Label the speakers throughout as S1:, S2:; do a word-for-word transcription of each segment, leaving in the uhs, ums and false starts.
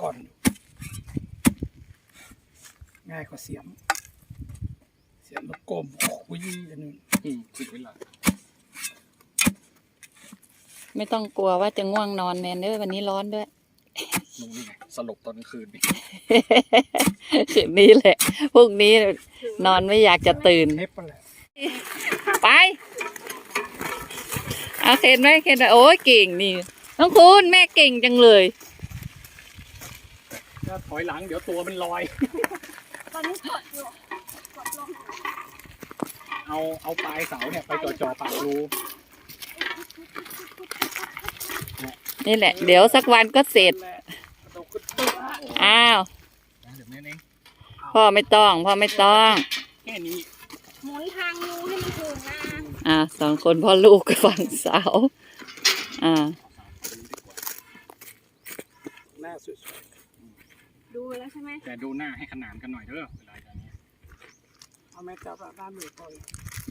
S1: ก่อนง่ายกว่าเสียมเสียมแล้วก้มคุยอันนึง
S2: อืมติดไว้ละ
S3: ไม่ต้องกลัวว่าจะง่วงนอนแมนเด้อวันนี้ร้อนด้วย
S2: ลงนี่ไงสลบตอนกลางคืนนี่
S3: คืนนี้แหละพรุ่งนี้นอนไม่อยากจะตื่นไปเอาเคนไหมเคนโอ้ยเก่งนี่น้องคุณแม่เก่งจังเลย
S2: ถ้าถอยหลังเดี๋ยวตัวมันลอย
S4: ตอนนี้กดอยู่กดลง
S2: เอาเอาปลายเสาเนี่ยไปจ่อจ่อปากรู
S3: นี่แหละเดี๋ยวสักวันก็เสร็จอ้าวพ่อไม่ต้องพ่อไม่ต้อง
S2: แค่นี้
S4: หมุนทางงูให้มันถูกนะ
S3: อ่าสองคนพ่อลูกฝั่งเสาอ่า
S1: หน้าสวย
S4: ๆดูแล้วใช่ไหม
S2: แต่ดูหน้าให้ขนานกันหน่อยเด้อเวลาอย่างนี้
S1: เอาแม่จับด้านหนึ่งก่อน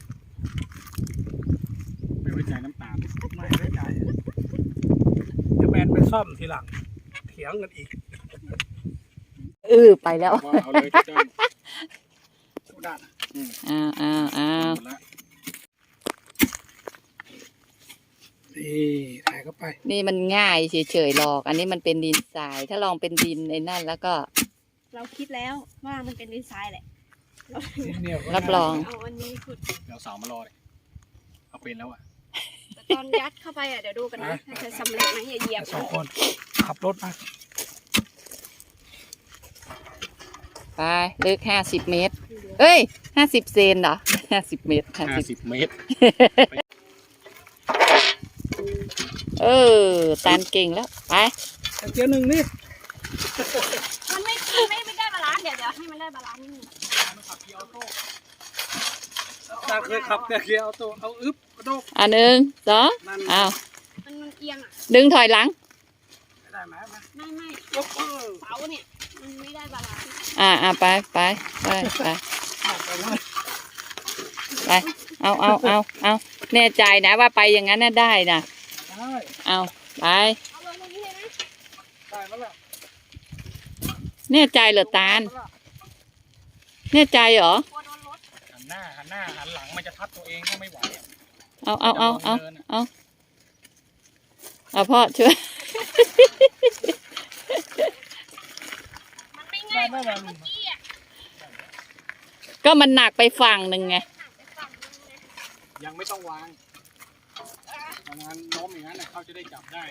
S2: ไม่ไว้ใจน้ำตาล
S1: ไม่ไว้ใจเดี๋ยวแมนไปซ่อมทีหลังเถียงกันอีก
S3: เออไปแล้ว
S2: เอาเลยเจ้าด้าน
S3: อ้าวอ้าวอ้าว
S1: นี่ถ่ายเข้าไป
S3: นี่มันง่ายเฉยๆหรอกอันนี้มันเป็นดินทรายถ้าลองเป็นดินในนั่นแล้วก็
S4: เราคิดแล้วว่ามันเป็นดินทรายแหละ
S3: รับรอง
S4: เอาอันนี้ขุด
S2: เดี๋ยวเสามารอเลยเอาเป็นแล้วอ่ะ
S4: แต่ตอนยัดเข้าไปอ่ะเดี๋ยวดูกันนะจะสำเร็จไหมอย่าเหยียบ
S1: สองคนขับรถมา
S3: ไปลึกห้าสิบเมตรเอ้ยห้าสิบเซนเหรอห้าสิบเมตร
S2: ห้าสิบเมตร
S3: เออตานเก่งแล้วไป
S1: เจียวหนึ่งนี่
S4: มันไม่ไม่ไม่ได้บาลานซ์เดี๋ยวเดี๋ยวให้มันได้บาลานซ์นิดนึง
S1: ตาเคยขับแต่เกียร์เอาตัวเอาอึ๊บกระโดด
S3: อันหนึ่งสองอ้าว
S4: มันมันเอียงอ่ะ
S3: ดึงถอยหลัง
S1: ได้ไหม
S4: ไม่ไม่เสาเนี่ยมันไม่ได้บาลานซ์
S3: อ่าอ่าไปไปไปไปไปเอาเอาเอาเอาแน่ใจนะว่าไปอย่างนั้นน่ะได้นะเอาไปแน่ใจเหรอตาลแน่ใจเหรอ
S2: หันหน้าหันหน้าหันหลังมันจะทับตัวเองก็ไม่ไหว
S3: เอาเอาเอาเอาเอาเอาพ่อช่วยก็มันหนักไปฝั่งหนึ่งไง
S2: ยังไม่ต้องวางทำงานโน้มอย่างนั้นเขาจะได้จับได้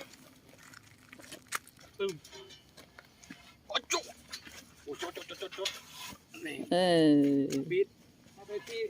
S2: ตึ้มโอ้จุ๊โอ้จุ๊จุ๊จุ๊จุ๊นี่
S3: เออ
S1: บิดเอาไปที่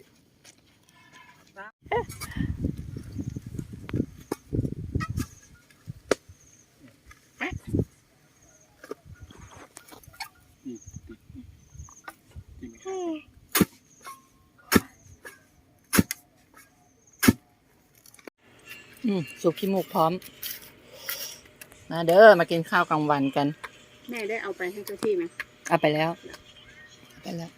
S3: อืมสุกขี้มูกพร้อมมาเด้อมากินข้าวกลางวันกัน
S4: แม่ได้เอาไปให้เจ้าที่ไหม
S3: เอาไปแล้วไปแล้ว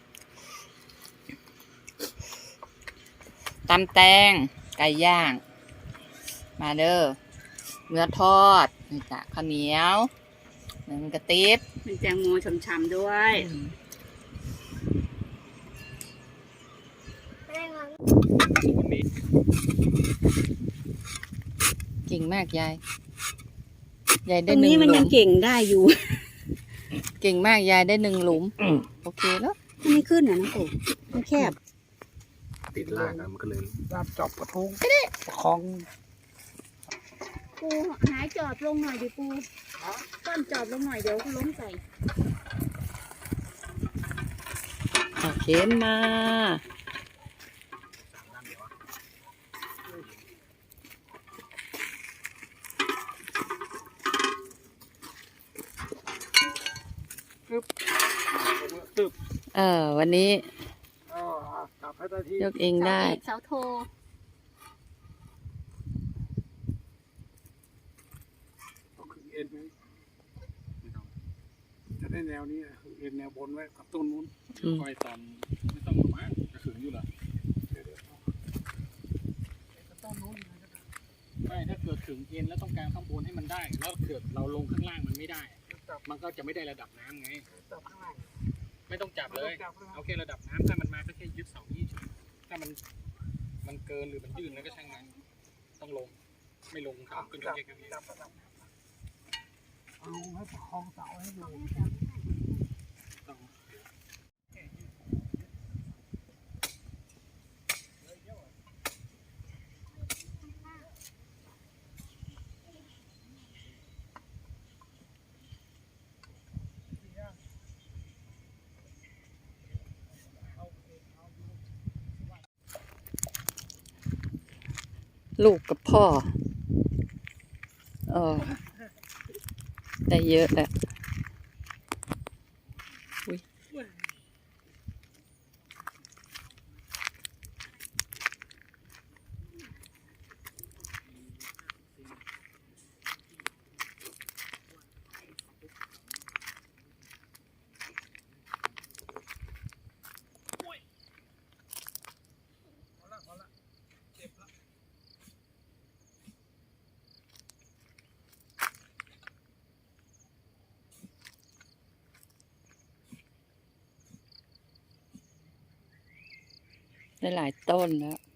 S3: ตำแตงไก่ย่างมาเด้อเนื้อทอดนี่จ้ะข้าวเหนียวหนึ่งกระติบ
S4: มีแตงโมฉ่ำๆด้วย
S3: เก่งมากยายยายได้
S4: หนึ่งหลุมตรงนี้มันยังเก่งได้อยู่
S3: เก่งมากยายได้หนึ่งหลุมโอเคแล้ว
S4: มันไม่ขึ้นนะน้องปู่มันแคบ
S2: ติดล่างมันก็เลย
S1: รับจอบกระทงประคอง
S4: ปูหายจอบลงหน่อยดิปูต้นจอบลงหน่อยเดี๋ยวล้มใส่
S3: เข็นมาเออวันนี้ยกเองได้
S4: เสาโท
S1: จะได้แนวนี้เอ็นแนวบนไว้กับต้นนู้น
S2: คอยตอนไม่ต้องมาจะขึงอยู่เหรอไม่ถ้าเกิดขึงเอ็นแล้วต้องการข้างบนให้มันได้แล้วเกิดเราลงข้างล่างมันไม่ได้มันก็จะไม่ได้ระดับน้ำไง
S1: จับข้างล่าง
S2: ไม่ต้องจับ
S1: ไม่
S2: เล
S1: ต้อย งจับข้างล่าง
S2: เอาแค่ระดับน้ำถ้ามันมาก็แค่ยึดเสายี่เฉยถ้ามันมันเกินหรือมันยื่นแล้วก็ช่างมันต้องลง ไม่ลงครับก็ย
S1: จั
S2: ก
S1: บ
S2: เยกยกเยก
S1: จับระดับเอาให้ประคองเสาให้อยู่
S2: ต้อง
S3: ลูกกับพ่อเออได้เยอะแหละอุ้ยได้หลายต้นแล้ว